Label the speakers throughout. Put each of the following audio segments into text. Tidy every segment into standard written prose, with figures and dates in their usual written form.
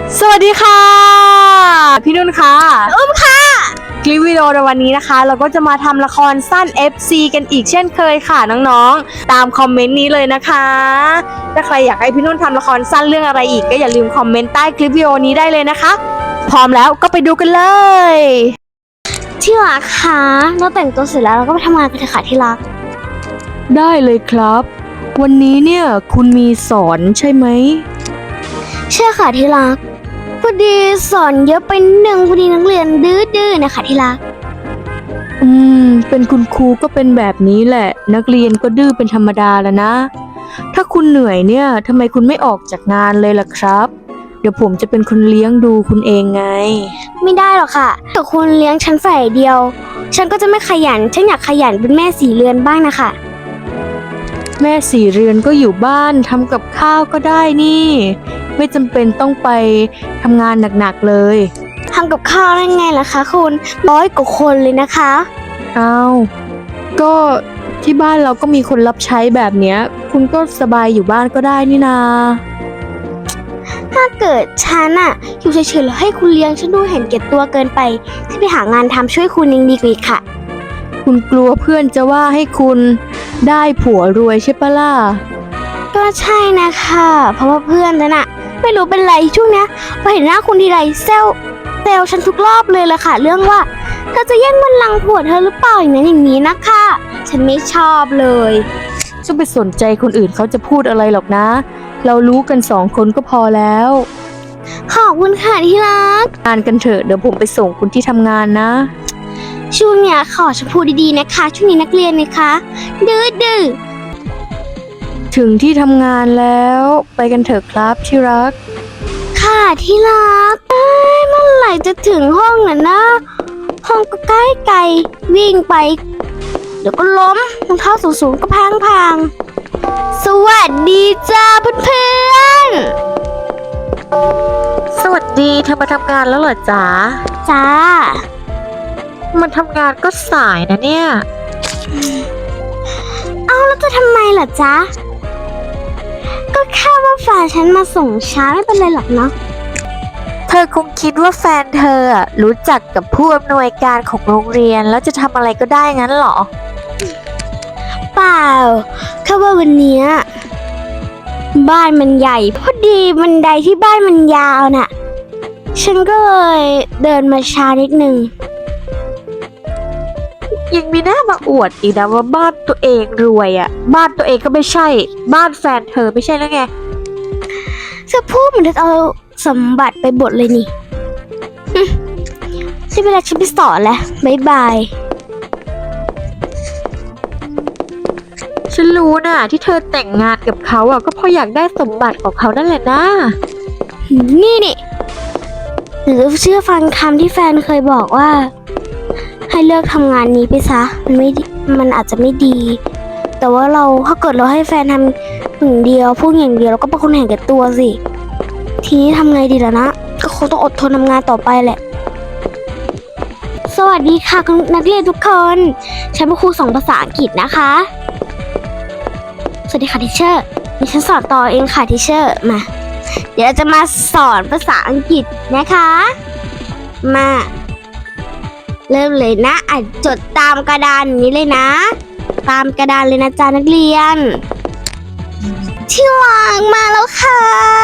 Speaker 1: สวัสดีค่ะพี่นุ่นค่ะ
Speaker 2: อุ้มค่ะ
Speaker 1: คลิปวิดีโอในวันนี้นะคะเราก็จะมาทำละครสั้น FC กันอีกเช่นเคยค่ะน้องๆตามคอมเมนต์นี้เลยนะคะถ้าใครอยากให้พี่นุ่นทำละครสั้นเรื่องอะไรอีกก็อย่าลืมคอมเมนต์ใต้คลิปวิดีโอนี้ได้เลยนะคะพร้อมแล้วก็ไปดูกันเลย
Speaker 2: ที่รักคะเราแต่งตัวเสร็จแล้วเราก็ไปทำงานกันเถอะค่ะที่รัก
Speaker 1: ได้เลยครับวันนี้เนี่ยคุณมีสอนใช่ไหม
Speaker 2: ใช่ค่ะที่รักพอดีสอนเยอะไปหนึ่งพอดีนักเรียนดื้อๆนะคะที่รัก
Speaker 1: เป็นคุณครูก็เป็นแบบนี้แหละนักเรียนก็ดื้อเป็นธรรมดาแล้วนะถ้าคุณเหนื่อยเนี่ยทำไมคุณไม่ออกจากงานเลยล่ะครับเดี๋ยวผมจะเป็นคนเลี้ยงดูคุณเองไง
Speaker 2: ไม่ได้หรอกค่ะแต่คุณเลี้ยงฉันฝ่ายเดียวฉันก็จะไม่ขยันฉันอยากขยันเป็นแม่สี่เรือนบ้างนะคะ
Speaker 1: แม่สี่เรือนก็อยู่บ้านทำกับข้าวก็ได้นี่ไม่จำเป็นต้องไปทำงานหนักๆเลย
Speaker 2: ทำกับข้าวได้ไงล่ะคะคุณ100 กว่าคนเลยนะคะ
Speaker 1: อ้าวก็ที่บ้านเราก็มีคนรับใช้แบบเนี้ยคุณก็สบายอยู่บ้านก็ได้นี่นา
Speaker 2: ถ้าเกิดฉันอะอยู่เฉยๆแล้วให้คุณเลี้ยงฉันดูเห็นแก่ตัวเกินไปฉันไปหางานทำช่วยคุณยังดีกว่าอีกค่ะ
Speaker 1: คุณกลัวเพื่อนจะว่าให้คุณได้ผัวรวยใช่ปะล่ะ
Speaker 2: ก็ใช่นะคะเพราะว่าเพื่อนฉันอะไม่รู้เป็นไรช่วงเนี้ยพอเห็นหน้าคุณทีไรเซลฉันทุกรอบเลยละค่ะเรื่องว่าเธอจะแย่งบัลลังก์ผัวเธอหรือเปล่าอย่างนั้นอย่างนี้นะคะฉันไม่ชอบเลย
Speaker 1: จะไปสนใจคนอื่นเขาจะพูดอะไรหรอกนะเรารู้กัน2 คนก็พอแล้ว
Speaker 2: ขอบคุณค่ะที่รัก
Speaker 1: งานกันเถอะเดี๋ยวผมไปส่งคุณที่ทำงานนะ
Speaker 2: ช่วงเนี้ยขอชมพูดีๆนะคะช่วงนี้นักเรียนนะคะดื้อ
Speaker 1: ถึงที่ทำงานแล้วไปกันเถอะครับที่รัก
Speaker 2: ค่ะที่รักเมื่อไหร่จะถึงห้องน่ะนะห้องก็ใกล้ไกลวิ่งไปเดี๋ยวก็ล้มรองเท้าสูงๆก็พังสวัสดีจ้าเพื่อน
Speaker 1: สวัสดีเธอมาทำงานแล้วเหรอจ๊ะ
Speaker 2: จ้า
Speaker 1: มันทำงานก็สายนะเนี่ย
Speaker 2: เอาแล้วจะทำไมล่ะจ๊ะก็แค่ว่าแฟนฉันมาส่งช้าไม่เป็นไรหรอกเนาะ
Speaker 1: เธอคงคิดว่าแฟนเธอรู้จักกับผู้อำนวยการของโรงเรียนแล้วจะทำอะไรก็ได้งั้นเหรอ
Speaker 2: เปล่าแค่ว่าวันนี้บ้านมันใหญ่พอดีบันไดที่บ้านมันยาวน่ะฉันก็เลยเดินมาช้านิดนึง
Speaker 1: ยังมีหน้ามาอวดอีกนะว่าบ้านตัวเองรวยบ้านตัวเองก็ไม่ใช่บ้านแฟนเธอไม่ใช่แล้วไง
Speaker 2: จะพูดเหมือนจะเอาสมบัติไปบดเลยนี่ใช่เวลาฉันไปสอนแล้วบ๊ายบาย
Speaker 1: ฉันรู้นะที่เธอแต่งงานกับเขาก็เพราะอยากได้สมบัติของเขานั่นแหละนะ
Speaker 2: นี่หรือเชื่อฟังคำที่แฟนเคยบอกว่าให้เลิกทำงานนี้ไปซะมันอาจจะไม่ดีแต่ว่าถ้าเกิดเราให้แฟนทำอย่างเดียวพูดอย่างเดียวเราก็เป็นคนเห็นแก่ตัวสิทีนี้ทำไงดีล่ะนะก็คงต้องอดทนทำงานต่อไปแหละสวัสดีค่ะคุณนักเรียนทุกคนฉันเป็นครูสอนภาษาอังกฤษนะคะสวัสดีค่ะทีเชอร์ดิฉันสอนต่อเองค่ะทีเชอร์มาเดี๋ยวเราจะมาสอนภาษาอังกฤษนะคะมาเริ่มเลยนะจดตามกระดานนี้เลยนะตามกระดานเลยนะจ๊ะนักเรียนที่วางมาแล้วค่ะ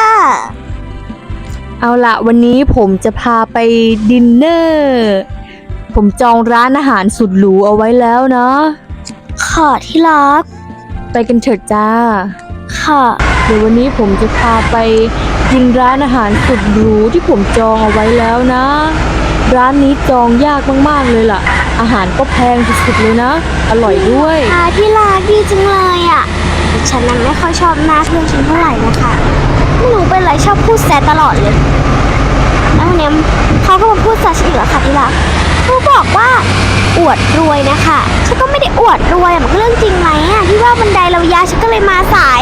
Speaker 1: เอาละวันนี้ผมจะพาไปดินเนอร์ผมจองร้านอาหารสุดหรูเอาไว้แล้วนะ
Speaker 2: ขอที่รัก
Speaker 1: ไปกันเถิดจ้า
Speaker 2: ค่ะ
Speaker 1: เดี๋ยววันนี้ผมจะพาไปกินร้านอาหารสุดหรูที่ผมจองเอาไว้แล้วนะร้านนี้จองยากมากๆเลยล่ะอาหารก็แพงสุดๆเลยนะอร่อยด้วย
Speaker 2: ที่รักดีจังเลยแต่ฉันนั้นไม่ค่อยชอบหน้าเพื่อนฉันเท่าไหร่นะคะไม่รู้เป็นไรชอบพูดแซะตลอดเลยแล้วเนี่ยเขาก็มาพูดแซะฉันอีกแล้วค่ะที่รักเขาบอกว่าอวดรวยนะคะฉันก็ไม่ได้อวดรวยมันเรื่องจริงไหมที่ว่าบันไดเรายาวฉันก็เลยมาสาย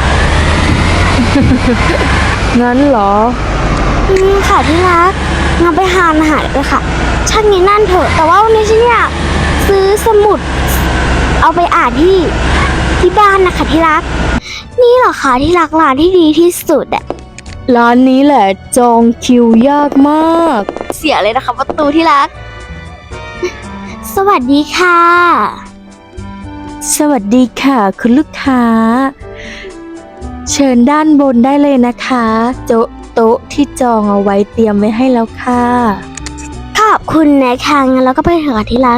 Speaker 1: งั้นเหรอ
Speaker 2: ค่ะที่รักงั้นไปหาอาหารเลยค่ะช่างนี้นั่นเถอะแต่ว่าวันนี้ฉันอยากซื้อสมุดเอาไปอ่านที่บ้านนะคะที่รักนี่เหรอคะที่รักร้านที่ดีที่สุด
Speaker 1: ร้านนี้แหละจองคิวยากมาก
Speaker 2: เสียเลยนะคะประตูที่รัก สวัสดีค่ะ
Speaker 1: สวัสดีค่ะคุณลูกค้า เชิญด้านบนได้เลยนะคะโต๊ะที่จองเอาไว้เตรียมไว้ให้แล้วค่ะ
Speaker 2: ขอบคุณนะคะงั้นเราก็ไปเถอะค่ะที่รัก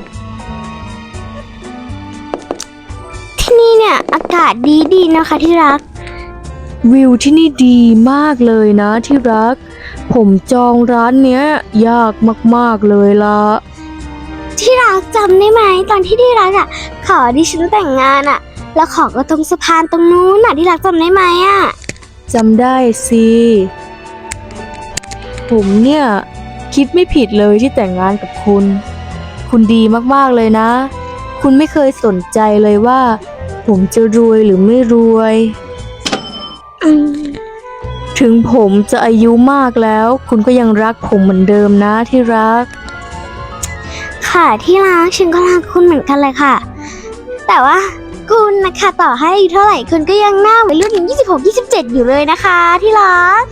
Speaker 2: ที่นี่เนี่ยอากาศดีนะคะที่รัก
Speaker 1: วิวที่นี่ดีมากเลยนะที่รัก ผมจองร้านเนี้ยยากมากๆเลยละ
Speaker 2: ที่รักจำได้ไหมตอนที่ที่รักอ่ะ ขอดิฉันแต่งงานอ่ะ แล้วขอก็ตรงสะพานตรงนู้นน่ะที่รักจำได้ไหมอ่ะ
Speaker 1: จำได้สิผมเนี่ยคิดไม่ผิดเลยที่แต่งงานกับคุณ คุณดีมากๆเลยนะ คุณไม่เคยสนใจเลยว่า ผมจะรวยหรือไม่รวย
Speaker 2: อืม
Speaker 1: ถึงผมจะอายุมากแล้ว คุณก็ยังรักผมเหมือนเดิมนะที่รัก
Speaker 2: ค่ะที่รักฉันก็รักคุณเหมือนกันเลยค่ะ แต่ว่าคุณนะคะต่อให้อายุเท่าไหร่คุณก็ยังหน้าวัยรุ่น26-27อยู่เลยนะคะ ที่รัก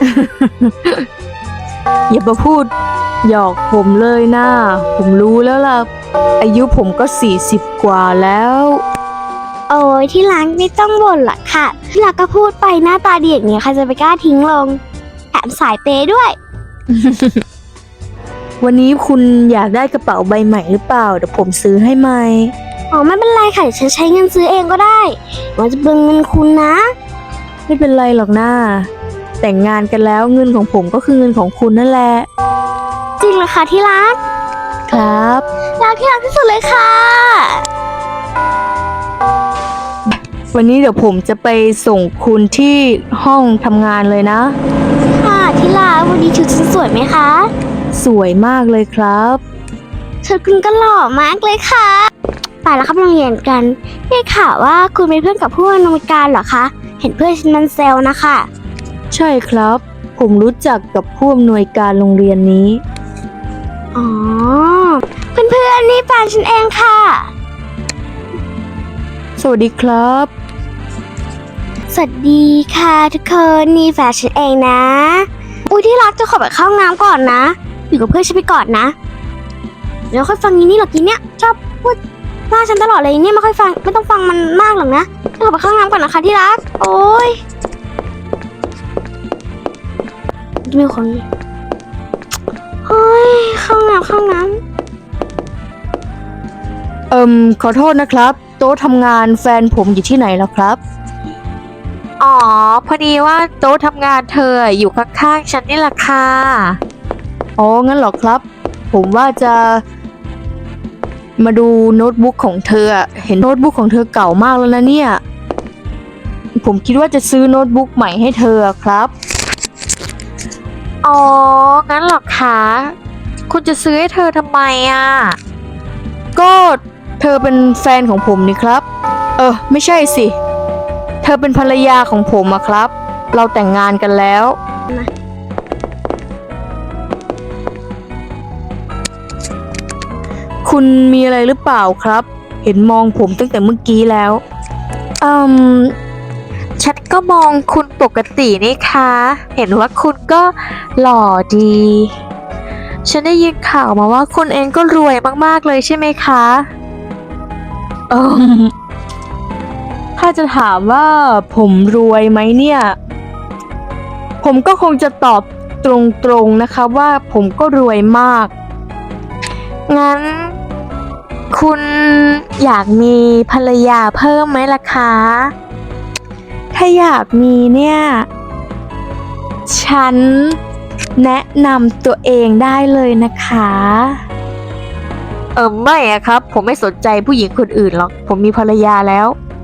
Speaker 1: อย่ามาพูดหยอกผมเลยนะ ผมรู้แล้วล่ะ อายุผมก็40 กว่าแล้ว
Speaker 2: โอ้ยที่รักไม่ต้องบ่นหรอกค่ะ ที่รักก็พูดไปหน้าตาดีอย่างนี้ใครจะไปกล้าทิ้งลงแถมสายเปย์ด้วย
Speaker 1: วันนี้คุณอยากได้กระเป๋าใบใหม่หรือเปล่าเดี๋ยวผมซื้อให้ใหม่
Speaker 2: อ๋อไม่เป็นไรค่ะเดี๋ยวฉันใช้เงินซื้อเองก็ได้มันจะเบิงเงินคุณนะ
Speaker 1: ไม่เป็นไรหรอกนะแต่งงานกันแล้วเงินของผมก็คือเงินของคุณนั่นแหละ
Speaker 2: จริงเหรอคะที่รัก
Speaker 1: ครับ
Speaker 2: รักที่รักที่สุดเลยค่ะ
Speaker 1: วันนี้เดี๋ยวผมจะไปส่งคุณที่ห้องทำงานเลยนะ
Speaker 2: ค่ะที่รักวันนี้ชุดฉันสวยไหมคะ
Speaker 1: สวยมากเลยครับ
Speaker 2: ชุดคุณก็หล่อมากเลยค่ะไปแล้วครับโรงเรียนกันได้ข่าวว่าคุณเป็นเพื่อนกับผู้อำนวยการเหรอคะเห็นเพื่อนฉันมันแซวนะคะ
Speaker 1: ใช่ครับ ผมรู้จักกับผู้อำนวยการโรงเรียนนี้
Speaker 2: อ๋อเพื่อนๆนี่แฟนฉันเองค่ะ
Speaker 1: สวัสดีครับ
Speaker 2: สวัสดีค่ะทุกคนนี่แฟนฉันเองนะอุ้ยที่รักจะขอไปเข้าห้องน้ำก่อนนะอยู่กับเพื่อนฉันไปก่อนนะเดี๋ยวค่อยฟังยีนี่หรอกยีเนี่ยชอบพูดว่าฉันตลอดเลยเนี่ยไม่ค่อยฟังไม่ต้องฟังมันมากหรอกนะจะขอไปเข้าห้องน้ำก่อนนะคะที่รักโอ้ยมีคนโอ้ยเข้าห้องน้ำ
Speaker 1: ขอโทษนะครับ โต๊ะทำงานแฟนผมอยู่ที่ไหนแล้วครับ อ๋อ พอดีว่าโต๊ะทำงานเธออยู่ข้างๆฉันนี่แหละค่ะ อ๋อ งั้นเหรอครับ ผมว่าจะมาดูโน้ตบุ๊กของเธอ เห็นโน้ตบุ๊กของเธอเก่ามากแล้วนะเนี่ย ผมคิดว่าจะซื้อโน้ตบุ๊กใหม่ให้เธอครับ อ๋อ งั้นเหรอคะ คุณจะซื้อให้เธอทำไมอ่ะ ก็เธอเป็นแฟนของผมนี่ครับ ไม่ใช่สิ เธอเป็นภรรยาของผมอะครับ เราแต่งงานกันแล้ว คุณมีอะไรหรือเปล่าครับ เห็นมองผมตั้งแต่เมื่อกี้แล้ว ฉันก็มองคุณปกตินี่คะ เห็นว่าคุณก็หล่อดี ฉันได้ยินข่าวมาว่าคุณเองก็รวยมากๆเลยใช่ไหมคะถ้าจะถามว่าผมรวยไหมเนี่ย ผมก็คงจะตอบตรงๆนะคะว่าผมก็รวยมาก งั้น คุณอยากมีภรรยาเพิ่มไหมล่ะคะ ถ้าอยากมีเนี่ย ฉันแนะนำตัวเองได้เลยนะคะ ไม่อะครับ ผมไม่สนใจผู้หญิงคนอื่นหรอก ผมมีภรรยาแล้ว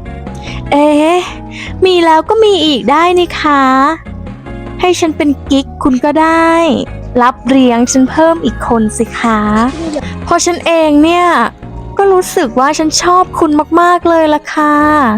Speaker 1: มีแล้วก็มีอีกได้นี่คะ ให้ฉันเป็นกิ๊กคุณก็ได้ รับเลี้ยงฉันเพิ่มอีกคนสิคะเพราะฉันเองเนี่ย ก็รู้สึกว่าฉันชอบคุณมากๆเลยล่ะค่ะ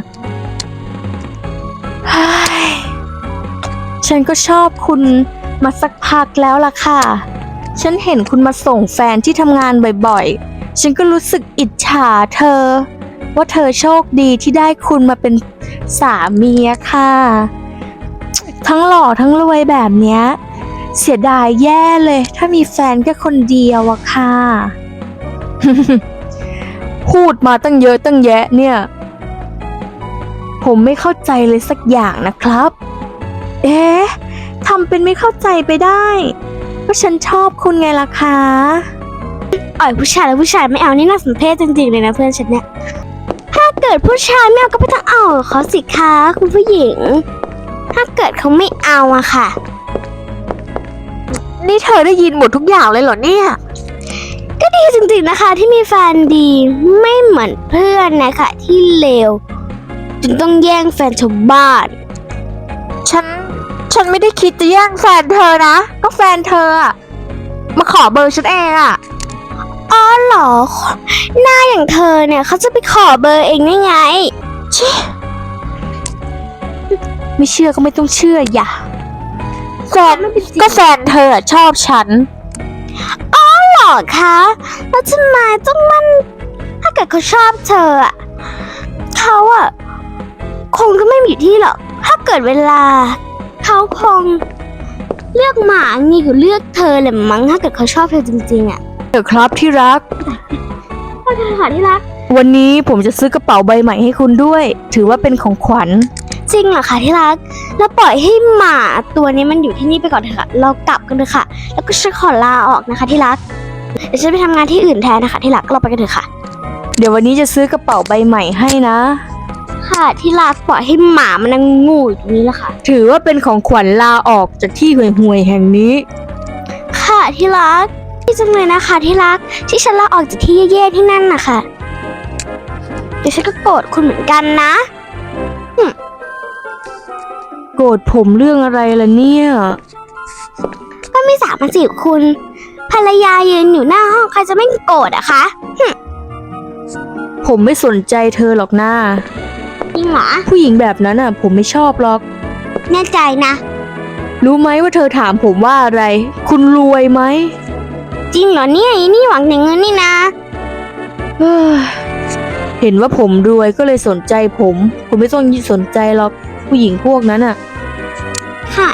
Speaker 1: เฮ้ยฉันก็ชอบคุณมาสักพักแล้วล่ะค่ะ ฉันเห็นคุณมาส่งแฟนที่ทำงานบ่อยๆ ฉันก็รู้สึกอิจฉาเธอ ว่าเธอโชคดีที่ได้คุณมาเป็นสามีอะค่ะทั้งหล่อทั้งรวยแบบเนี้ย เสียดายแย่เลย ถ้ามีแฟนแค่คนเดียวอะค่ะ พูดมาตั้งเยอะตั้งแยะเนี่ย ผมไม่เข้าใจเลยสักอย่างนะครับ เอ๊ะทำเป็นไม่เข้าใจไปได้ก็ฉันชอบคุณไงล่ะคะ
Speaker 2: อ่อยผู้ชายแล้วผู้ชายไม่เอานี่น่าสมเพชจริงๆเลยนะเพื่อนฉันเนี่ย ถ้าเกิดผู้ชายไม่เอาก็ไม่ต้องเอาเขาสิคะคุณผู้หญิง ถ้าเกิดเขาไม่เอาอะค่ะ
Speaker 1: นี่เธอได้ยินหมดทุกอย่างเลยเหรอเนี่ย
Speaker 2: ก็ดีจริงๆนะคะที่มีแฟนดีไม่เหมือนเพื่อนนะคะที่เลวจนต้องแย่งแฟนชาวบ้าน
Speaker 1: ฉันไม่ได้คิดจะแย่งแฟนเธอนะ ก็แฟนเธออะมาขอเบอร์ฉันเองอะ
Speaker 2: อ๋อเหรอ หน้าอย่างเธอเนี่ยเขาจะไปขอเบอร์เองได้ไง
Speaker 1: ไม่เชื่อก็ไม่ต้องเชื่ออย่าแฟนก็แฟนเธออะชอบฉัน
Speaker 2: หรอคะแล้วทำไมต้องมันถ้าเกิดเขาชอบเธออะเขาอะคงจะไม่มีที่หรอกถ้าเกิดเวลาเขาคงเลือกหมางี้กว่าเลือกเธอแหละมั้งถ้าเกิดเขาชอบเธอจริงๆอะ
Speaker 1: เดี๋ยวครับที่รัก
Speaker 2: พ่อจะหาที่รัก
Speaker 1: วันนี้ผมจะซื้อกระเป๋าใบใหม่ให้คุณด้วย ถือว่าเป็นของขวัญ
Speaker 2: จริงเหรอคะที่รักแล้วปล่อยให้หมาตัวนี้มันอยู่ที่นี่ไปก่อนเถอะค่ะเรากลับกันเถอะค่ะ แล้วก็ฉันขอลาออกนะคะที่รักเดี๋ยวฉันไปทำงานที่อื่นแทนนะคะที่รักเราไปกันเถอะค่ะ
Speaker 1: เดี๋ยววันนี้จะซื้อกระเป๋าใบใหม่ให้นะ
Speaker 2: ค่ะที่รักปล่อยให้หมามันนั่งงูอยู่ตรงนี้แหละค่ะ
Speaker 1: ถือว่าเป็นของขวัญลาออกจากที่ห่วยๆแห่งนี้
Speaker 2: ค่ะที่รักที่จังเลยนะคะที่รักที่ฉันลาออกจากที่แย่ๆที่นั่นนะคะเดี๋ยวฉันก็โกรธคุณเหมือนกันนะ
Speaker 1: โกรธผมเรื่องอะไรล่ะเนี่ย
Speaker 2: ก็ไม่สามารถจีบคุณภรรยายืนอยู่หน้าห้องใครจะไม่โกรธอะคะ
Speaker 1: ผมไม่สนใจเธอหรอกนะ
Speaker 2: จริงเหรอ
Speaker 1: ผู้หญิงแบบนั้นอ่ะ ผมไม่ชอบหรอก
Speaker 2: แน่ใจนะ
Speaker 1: รู้ไหมว่าเธอถามผมว่าอะไร คุณรวยไหม
Speaker 2: จริงเหรอเนี่ยอีนี่หวังแต่เงินนี่นะ
Speaker 1: เฮ้ยเห็นว่าผมรวยก็เลยสนใจผม คุณไม่ต้องสนใจหรอกผู้หญิงพวกนั้นอ่ะ
Speaker 2: ค่ะ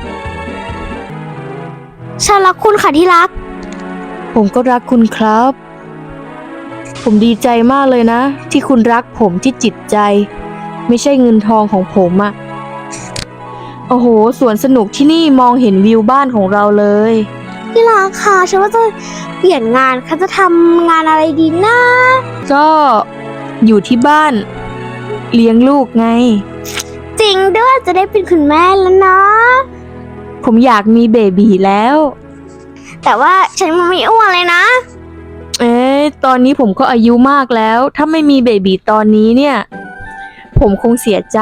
Speaker 2: ฉันรักคุณค่ะที่รัก
Speaker 1: ผมก็รักคุณครับ ผมดีใจมากเลยนะ ที่คุณรักผมที่จิตใจ ไม่ใช่เงินทองของผมอะโอ้โหสวนสนุกที่นี่มองเห็นวิวบ้านของเราเลย
Speaker 2: ที่รักค่ะฉันว่าจะเปลี่ยนงานค่ะจะทำงานอะไรดีนะ
Speaker 1: ก็อยู่ที่บ้าน เลี้ยงลูกไง
Speaker 2: จริงด้วยจะได้เป็นคุณแม่แล้วเนาะ
Speaker 1: ผมอยากมีเบบีแล้ว
Speaker 2: แต่ว่าฉันไม่อ้วนเลยนะ
Speaker 1: ตอนนี้ผมก็อายุมากแล้ว ถ้าไม่มีเบบีตอนนี้เนี่ย ผมคงเสียใจ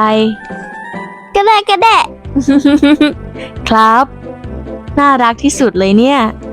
Speaker 2: ก็ได้
Speaker 1: ครับ น่ารักที่สุดเลยเนี่ย